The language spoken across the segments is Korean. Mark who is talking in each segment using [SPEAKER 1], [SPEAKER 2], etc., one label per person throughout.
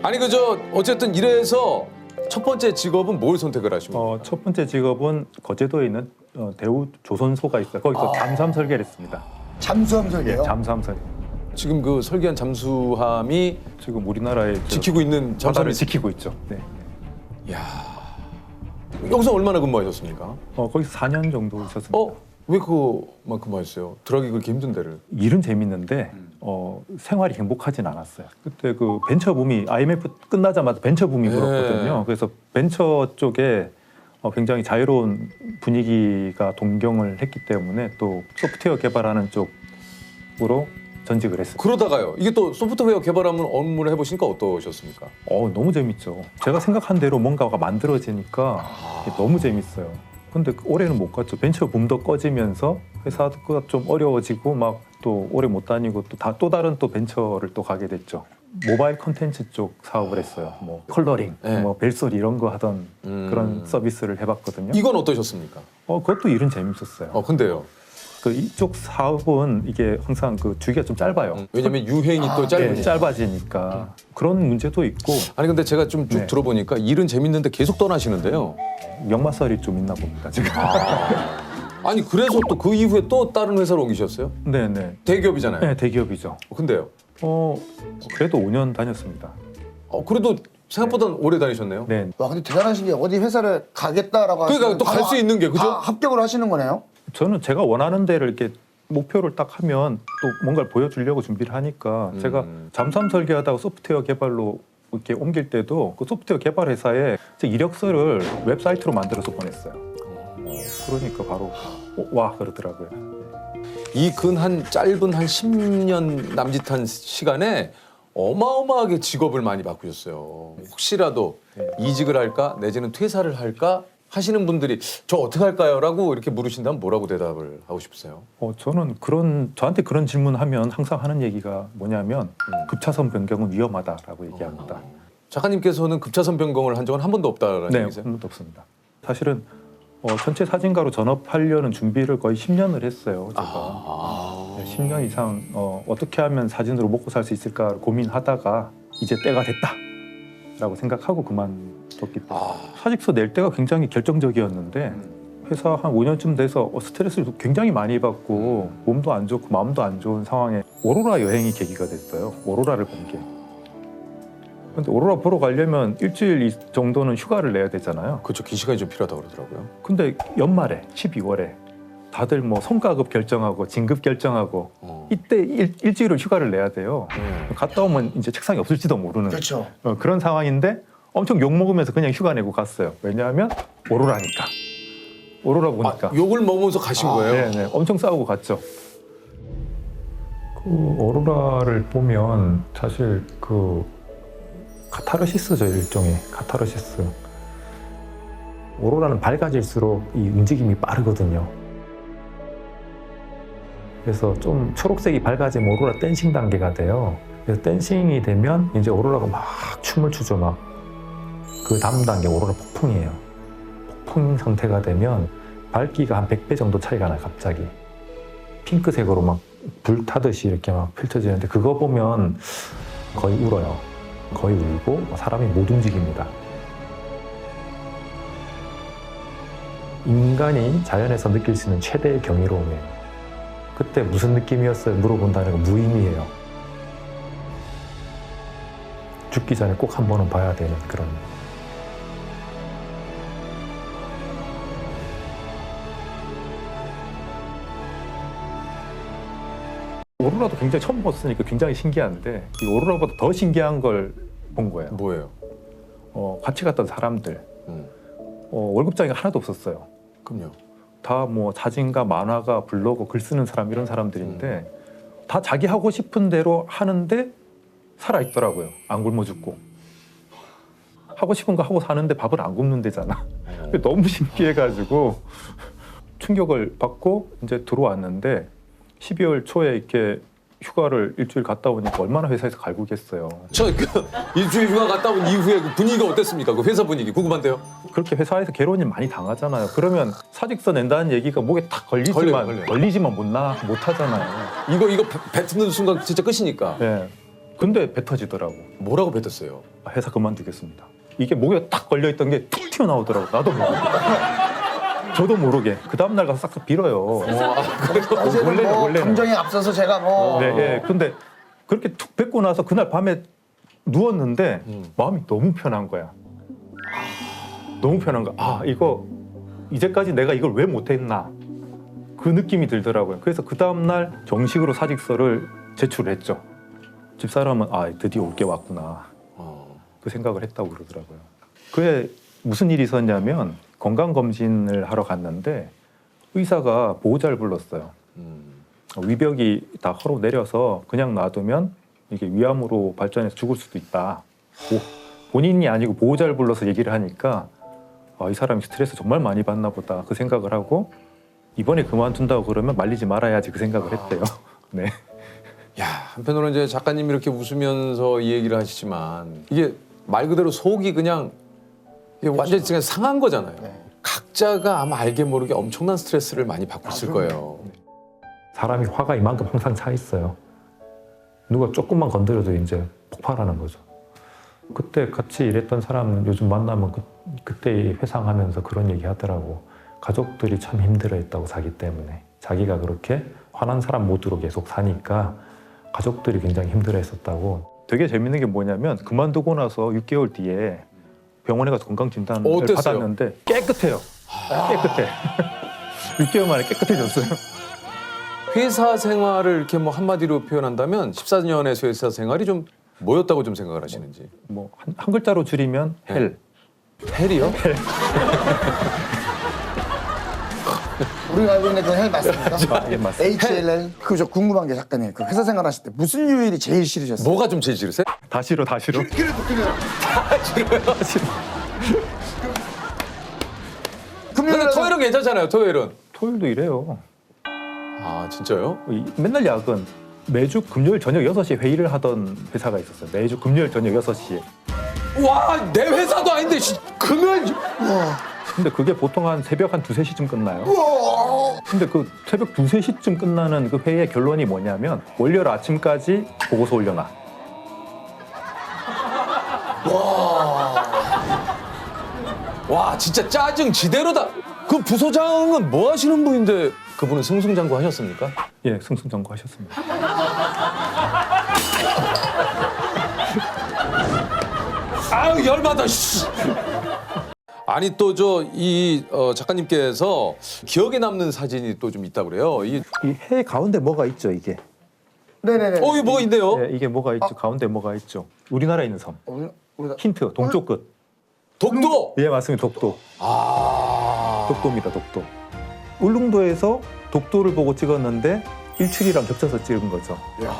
[SPEAKER 1] 아니 그저 어쨌든 이래서 첫 번째 직업은 뭘 선택을 하신 거예요?
[SPEAKER 2] 첫 번째 직업은 거제도에 있는 대우 조선소가 있어요. 거기서 잠수함 설계를 했습니다.
[SPEAKER 3] 잠수함 설계요?
[SPEAKER 2] 예, 잠수함 설계.
[SPEAKER 1] 지금 그 설계한 잠수함이
[SPEAKER 2] 지금 우리나라의
[SPEAKER 1] 지키고 있는
[SPEAKER 2] 바다를
[SPEAKER 1] 잠수함이
[SPEAKER 2] 지키고 있죠. 네.
[SPEAKER 1] 야 여기서 얼마나 근무하셨습니까?
[SPEAKER 2] 거기서 4년 정도 있었습니다.
[SPEAKER 1] 왜 그거만 근무하셨어요? 들어가기 그렇게 힘든 데를.
[SPEAKER 2] 일은 재밌는데 생활이 행복하진 않았어요. 그때 그 벤처 붐이 IMF 끝나자마자 벤처 붐이 불었거든요. 그래서 벤처 쪽에 굉장히 자유로운 분위기가 동경을 했기 때문에 또 소프트웨어 개발하는 쪽으로 전직을 했습니다.
[SPEAKER 1] 그러다가요. 이게 또 소프트웨어 개발하는 업무를 해보시니까 어떠셨습니까?
[SPEAKER 2] 너무 재밌죠. 제가 생각한 대로 뭔가가 만들어지니까 이게 너무 재밌어요. 근데 올해는 못 갔죠. 벤처 붐도 꺼지면서 회사가 좀 어려워지고 막 또 오래 못 다니고 또 다른 또 벤처를 또 가게 됐죠. 모바일 컨텐츠 쪽 사업을 했어요. 뭐 컬러링,
[SPEAKER 1] 네.
[SPEAKER 2] 뭐 벨소리 이런 거 하던 그런 서비스를 해봤거든요.
[SPEAKER 1] 이건 어떠셨습니까?
[SPEAKER 2] 그것도 일은 재밌었어요.
[SPEAKER 1] 근데요.
[SPEAKER 2] 그 이쪽 사업은 이게 항상 그 주기가 좀 짧아요.
[SPEAKER 1] 왜냐면 유행이 또 짧으니까.
[SPEAKER 2] 짧아지니까 그런 문제도 있고.
[SPEAKER 1] 아니 근데 제가 좀 쭉
[SPEAKER 2] 네.
[SPEAKER 1] 들어보니까 일은 재밌는데 계속 떠나시는데요.
[SPEAKER 2] 역마살이 좀 있나 봅니다 지금.
[SPEAKER 1] 아니 그래서 또 그 이후에 또 다른 회사로 옮기셨어요?
[SPEAKER 2] 네네.
[SPEAKER 1] 대기업이잖아요.
[SPEAKER 2] 네, 대기업이죠.
[SPEAKER 1] 근데요.
[SPEAKER 2] 그래도 5년 다녔습니다.
[SPEAKER 1] 그래도 생각보다 오래 다니셨네요.
[SPEAKER 2] 네.
[SPEAKER 3] 와 근데 대단하신 게 어디 회사를 가겠다라고
[SPEAKER 1] 그러니까
[SPEAKER 3] 하시면
[SPEAKER 1] 또 갈 수 있는 게 그죠?
[SPEAKER 3] 다 합격을 하시는 거네요?
[SPEAKER 2] 저는 제가 원하는 데를 이렇게 목표를 딱 하면 또 뭔가를 보여주려고 준비를 하니까 제가 잠수함 설계하다가 소프트웨어 개발로 이렇게 옮길 때도 그 소프트웨어 개발 회사에 제 이력서를 웹사이트로 만들어서 보냈어요. 그러니까 바로 와 그러더라고요.
[SPEAKER 1] 이 근 한 짧은 한 10년 남짓한 시간에 어마어마하게 직업을 많이 바꾸셨어요. 혹시라도 이직을 할까 내지는 퇴사를 할까 하시는 분들이 저 어떻게 할까요? 라고 이렇게 물으신다면 뭐라고 대답을 하고 싶으세요?
[SPEAKER 2] 저는 저한테 그런 질문하면 항상 하는 얘기가 뭐냐면 급차선 변경은 위험하다라고 얘기합니다.
[SPEAKER 1] 작가님께서는 급차선 변경을 한 적은 한 번도 없다라는
[SPEAKER 2] 네,
[SPEAKER 1] 얘기세요?
[SPEAKER 2] 한 번도 없습니다. 사실은 전체 사진가로 전업하려는 준비를 거의 10년을 했어요. 제가 10년 이상 어떻게 하면 사진으로 먹고 살 수 있을까 고민하다가 이제 때가 됐다라고 생각하고 그만뒀기 때문에 사직서 낼 때가 굉장히 결정적이었는데 회사 한 5년쯤 돼서 스트레스를 굉장히 많이 받고 몸도 안 좋고 마음도 안 좋은 상황에 오로라 여행이 계기가 됐어요. 오로라를 본 게. 근데 오로라 보러 가려면 일주일 정도는 휴가를 내야 되잖아요.
[SPEAKER 1] 그렇죠. 긴 시간이 좀 필요하다고 그러더라고요.
[SPEAKER 2] 근데 연말에 12월에 다들 뭐 성과급 결정하고 진급 결정하고 이때 일주일을 휴가를 내야 돼요. 갔다 오면 이제 책상이 없을지도 모르는
[SPEAKER 3] 그렇죠.
[SPEAKER 2] 그런 상황인데 엄청 욕 먹으면서 그냥 휴가 내고 갔어요. 왜냐하면 오로라니까. 오로라 보니까.
[SPEAKER 1] 욕을 먹으면서 가신 거예요?
[SPEAKER 2] 네, 엄청 싸우고 갔죠. 그 오로라를 보면 사실 그 카타르시스죠. 일종의 카타르시스. 오로라는 밝아질수록 이 움직임이 빠르거든요. 그래서 좀 초록색이 밝아지면 오로라 댄싱 단계가 돼요. 그래서 댄싱이 되면 이제 오로라가 막 춤을 추죠. 막 그 다음 단계 오로라 폭풍이에요. 폭풍 상태가 되면 밝기가 한 100배 정도 차이가 나요. 갑자기 핑크색으로 막 불 타듯이 이렇게 막 펼쳐지는데 그거 보면 거의 울어요. 거의 울고 사람이 못 움직입니다. 인간이 자연에서 느낄 수 있는 최대의 경이로움이에요. 그때 무슨 느낌이었어요? 물어본다는 건 무의미해요. 죽기 전에 꼭 한 번은 봐야 되는 그런. 오로라도 굉장히 처음 봤으니까 굉장히 신기한데 이 오로라보다 더 신기한 걸 본 거예요.
[SPEAKER 1] 뭐예요?
[SPEAKER 2] 같이 갔던 사람들 월급장이 하나도 없었어요.
[SPEAKER 1] 그럼요.
[SPEAKER 2] 다 뭐 사진가, 만화가, 블로거, 글 쓰는 사람 이런 사람들인데 다 자기 하고 싶은 대로 하는데 살아 있더라고요. 안 굶어 죽고. 하고 싶은 거 하고 사는데 밥을 안 굶는 데잖아. 너무 신기해가지고 충격을 받고 이제 들어왔는데 12월 초에 이렇게 휴가를 일주일 갔다 오니까 얼마나 회사에서 갈구겠어요.
[SPEAKER 1] 일주일 휴가 갔다 온 이후에 그 분위기가 어땠습니까? 그 회사 분위기 궁금한데요.
[SPEAKER 2] 그렇게 회사에서 괴로운 일 많이 당하잖아요. 그러면 사직서 낸다는 얘기가 목에 탁 걸리지만
[SPEAKER 1] 걸려요.
[SPEAKER 2] 걸리지만 못 하잖아요.
[SPEAKER 1] 이거 뱉는 순간 진짜 끝이니까.
[SPEAKER 2] 네. 근데 뱉어지더라고.
[SPEAKER 1] 뭐라고 뱉었어요?
[SPEAKER 2] 회사 그만두겠습니다. 이게 목에 딱 걸려있던 게 툭 튀어나오더라고. 나도 모르게. 저도 모르게. 그 다음날 가서 싹싹 빌어요.
[SPEAKER 3] 어제는 뭐
[SPEAKER 2] 원래는.
[SPEAKER 3] 감정에 앞서서 제가 뭐
[SPEAKER 2] 네, 예. 근데 그렇게 툭 뱉고 나서 그날 밤에 누웠는데 마음이 너무 편한 거야. 너무 편한 거야. 아, 이거 이제까지 내가 이걸 왜 못했나. 그 느낌이 들더라고요. 그래서 그 다음날 정식으로 사직서를 제출했죠. 집사람은 아, 드디어 올 게 왔구나. 그 생각을 했다고 그러더라고요. 그에 무슨 일이 있었냐면 건강검진을 하러 갔는데 의사가 보호자를 불렀어요. 위벽이 다 허로 내려서 그냥 놔두면 이게 위암으로 발전해서 죽을 수도 있다. 본인이 아니고 보호자를 불러서 얘기를 하니까 아, 이 사람이 스트레스 정말 많이 받나 보다 그 생각을 하고 이번에 그만둔다고 그러면 말리지 말아야지 그 생각을 했대요. 네.
[SPEAKER 1] 야, 한편으로는 이제 작가님이 이렇게 웃으면서 이 얘기를 하시지만 이게 말 그대로 속이 그냥 이게 완전히 그냥 상한 거잖아요.
[SPEAKER 3] 네.
[SPEAKER 1] 각자가 아마 알게 모르게 엄청난 스트레스를 많이 받고 있을 거예요.
[SPEAKER 4] 사람이 화가 이만큼 항상 차 있어요. 누가 조금만 건드려도 이제 폭발하는 거죠. 그때 같이 일했던 사람 요즘 만나면 그때 회상하면서 그런 얘기 하더라고. 가족들이 참 힘들어했다고 자기 때문에. 자기가 그렇게 화난 사람 모드로 계속 사니까 가족들이 굉장히 힘들어했었다고.
[SPEAKER 2] 되게 재밌는 게 뭐냐면 그만두고 나서 6개월 뒤에 병원에 가서 건강진단을
[SPEAKER 1] 어땠어요?
[SPEAKER 2] 받았는데 깨끗해요. 깨끗해. 6개월 만에 깨끗해졌어요.
[SPEAKER 1] 회사 생활을 이렇게 뭐 한마디로 표현한다면 14년의 회사 생활이 좀 뭐였다고 좀 생각을 하시는지.
[SPEAKER 2] 뭐 한 글자로 줄이면 헬.
[SPEAKER 1] 헬이요?
[SPEAKER 3] 우리가 알고 있는 그 헬 맞습니까?
[SPEAKER 2] 예, 맞습니다.
[SPEAKER 3] HLL. 그저 궁금한 게 작가님 그 회사 생활하실 때 무슨 요일이 제일 싫으셨어요?
[SPEAKER 1] 뭐가 좀 제일 싫으세요?
[SPEAKER 2] 다 싫어, 다 싫어.
[SPEAKER 3] 그래도
[SPEAKER 1] 근데
[SPEAKER 3] 금요일에
[SPEAKER 1] 토요일은 괜찮잖아요. 토요일은.
[SPEAKER 2] 토요일도 이래요.
[SPEAKER 1] 아 진짜요?
[SPEAKER 2] 맨날 야근. 매주 금요일 저녁 6시에 회의를 하던 회사가 있었어요. 매주 금요일 저녁 6시에.
[SPEAKER 1] 와, 내 회사도 아닌데 금요일.
[SPEAKER 2] 근데 그게 보통 한 새벽 한 2, 3시쯤 끝나요. 근데 그 새벽 2, 3시쯤 끝나는 그 회의의 결론이 뭐냐면 월요일 아침까지 보고서 올려놔.
[SPEAKER 1] 와, 진짜 짜증 지대로다. 그 부소장은 뭐 하시는 분인데 그분은 승승장구 하셨습니까?
[SPEAKER 2] 예, 승승장구하셨습니다.
[SPEAKER 1] 아유 열받아. 씨. 아니 또 저 이 작가님께서 기억에 남는 사진이 또 좀 있다 그래요.
[SPEAKER 2] 이 해 가운데 뭐가 있죠, 이게?
[SPEAKER 3] 네네네.
[SPEAKER 1] 이게 뭐가 있네요.
[SPEAKER 2] 네, 이게 뭐가 있죠? 가운데 뭐가 있죠? 우리나라에 있는 섬.
[SPEAKER 3] 우리가
[SPEAKER 2] 힌트, 동쪽 끝.
[SPEAKER 1] 독도.
[SPEAKER 2] 예, 맞습니다. 독도.
[SPEAKER 1] 아.
[SPEAKER 2] 독도입니다, 독도. 울릉도에서 독도를 보고 찍었는데 일출이랑 겹쳐서 찍은 거죠.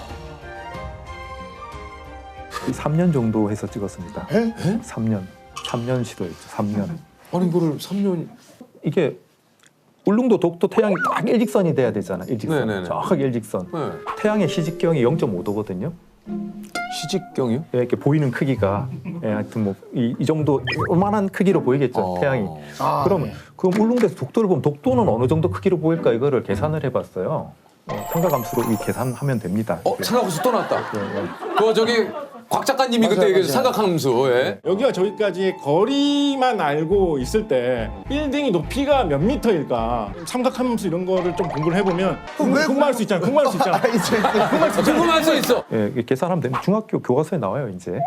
[SPEAKER 2] 3년 정도 해서 찍었습니다. 3년 시도했죠. 3년.
[SPEAKER 1] 아니 이거를 3년.
[SPEAKER 2] 이게 울릉도 독도 태양이 딱 일직선이 돼야 되잖아. 일직선.
[SPEAKER 1] 네네네.
[SPEAKER 2] 정확하게 일직선.
[SPEAKER 1] 네.
[SPEAKER 2] 태양의 시직경이 0.5도거든요.
[SPEAKER 1] 시직경이요?
[SPEAKER 2] 예, 이렇게 보이는 크기가 하여튼 뭐 이 정도 요만한 크기로 보이겠죠. 태양이. 그럼
[SPEAKER 3] 네.
[SPEAKER 2] 그럼 울릉도에서 독도를 보면 독도는 어느 정도 크기로 보일까 이거를 계산을 해봤어요. 삼각함수로 이 계산하면 됩니다.
[SPEAKER 1] 삼각함수 또 나왔다.
[SPEAKER 2] 예.
[SPEAKER 1] 그 저기 곽 작가님이
[SPEAKER 3] 맞아요,
[SPEAKER 1] 그때 얘기해
[SPEAKER 3] 맞아요.
[SPEAKER 1] 삼각함수. 예.
[SPEAKER 5] 여기가 저기까지 거리만 알고 있을 때 빌딩이 높이가 몇 미터일까 삼각함수 이런 거를 좀 공부를 해보면 궁금할 수 있잖아. 궁금할 수 있잖아.
[SPEAKER 1] 궁금할 수 있어.
[SPEAKER 2] 예, 이게 계산하면 되면 중학교 교과서에 나와요 이제.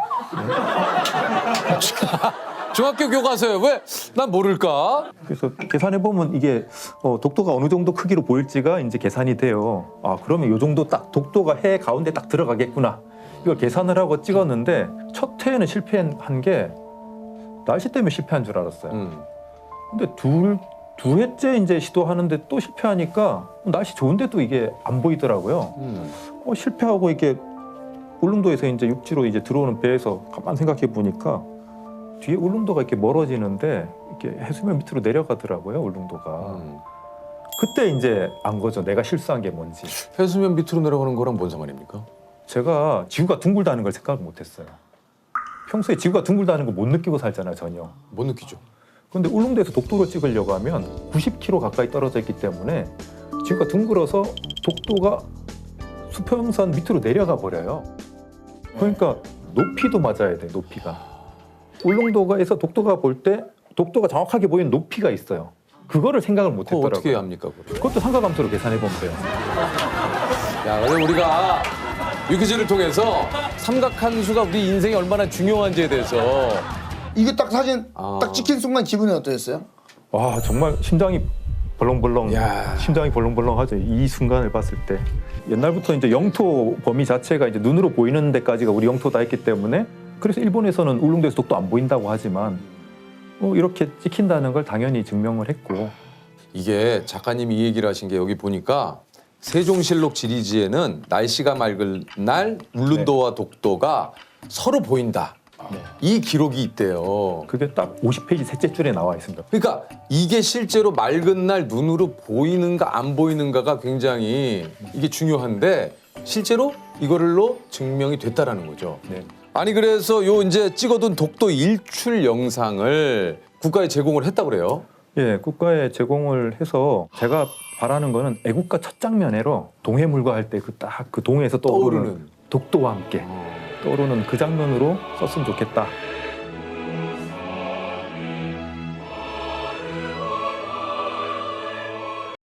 [SPEAKER 1] 중학교 교과서에 왜 난 모를까?
[SPEAKER 2] 그래서 계산해 보면 이게 독도가 어느 정도 크기로 보일지가 이제 계산이 돼요. 아 그러면 이 정도 딱 독도가 해 가운데 딱 들어가겠구나. 이걸 계산을 하고 찍었는데 첫 회에는 실패한 게 날씨 때문에 실패한 줄 알았어요. 근데 두 회째 이제 시도하는데 또 실패하니까 날씨 좋은데도 이게 안 보이더라고요. 실패하고 이게 울릉도에서 이제 육지로 이제 들어오는 배에서 가만 생각해 보니까 뒤에 울릉도가 이렇게 멀어지는데 이렇게 해수면 밑으로 내려가더라고요, 울릉도가. 그때 이제 안 거죠. 내가 실수한 게 뭔지.
[SPEAKER 1] 해수면 밑으로 내려가는 거랑 뭔 상관입니까?
[SPEAKER 2] 제가 지구가 둥글다는 걸 생각을 못했어요. 평소에 지구가 둥글다는 걸 못 느끼고 살잖아요, 전혀.
[SPEAKER 1] 못 느끼죠.
[SPEAKER 2] 그런데 울릉도에서 독도로 찍으려고 하면 90km 가까이 떨어져 있기 때문에 지구가 둥글어서 독도가 수평선 밑으로 내려가 버려요. 그러니까 높이도 맞아야 돼. 높이가. 울릉도가에서 독도가 볼 때 독도가 정확하게 보이는 높이가 있어요. 그거를 생각을 못
[SPEAKER 1] 그거
[SPEAKER 2] 했더라고요.
[SPEAKER 1] 어떻게 해야 합니까? 그걸?
[SPEAKER 2] 그것도 삼각함수로 계산해 보면 돼요.
[SPEAKER 1] 야, 근데 우리가 유퀴즈를 통해서 삼각함수가 우리 인생에 얼마나 중요한지에 대해서
[SPEAKER 3] 이거 딱 사진
[SPEAKER 1] 아.
[SPEAKER 3] 딱 찍힌 순간 기분이 어떠셨어요?
[SPEAKER 2] 와 정말 심장이 벌렁벌렁
[SPEAKER 1] 야.
[SPEAKER 2] 심장이 벌렁벌렁하죠. 이 순간을 봤을 때 옛날부터 이제 영토 범위 자체가 이제 눈으로 보이는 데까지가 우리 영토다 했기 때문에 그래서 일본에서는 울릉도에서 독도 안 보인다고 하지만 이렇게 찍힌다는 걸 당연히 증명을 했고
[SPEAKER 1] 이게 작가님이 이 얘기를 하신 게 여기 보니까 세종실록 지리지에는 날씨가 맑은 날 울릉도와 독도가 서로 보인다. 이 기록이 있대요.
[SPEAKER 2] 그게 딱 50페이지 셋째 줄에 나와 있습니다.
[SPEAKER 1] 그러니까 이게 실제로 맑은 날 눈으로 보이는가 안 보이는가가 굉장히 이게 중요한데 실제로 이거를로 증명이 됐다라는 거죠.
[SPEAKER 2] 네.
[SPEAKER 1] 아니 그래서 요 이제 찍어둔 독도 일출 영상을 국가에 제공을 했다고 그래요.
[SPEAKER 2] 예, 국가에 제공을 해서 제가 바라는 거는 애국가 첫 장면으로 동해물과 할 때 그 딱 그 동해에서 떠오르는
[SPEAKER 1] 떠오르는.
[SPEAKER 2] 독도와 함께 떠오르는 그 장면으로 썼으면 좋겠다.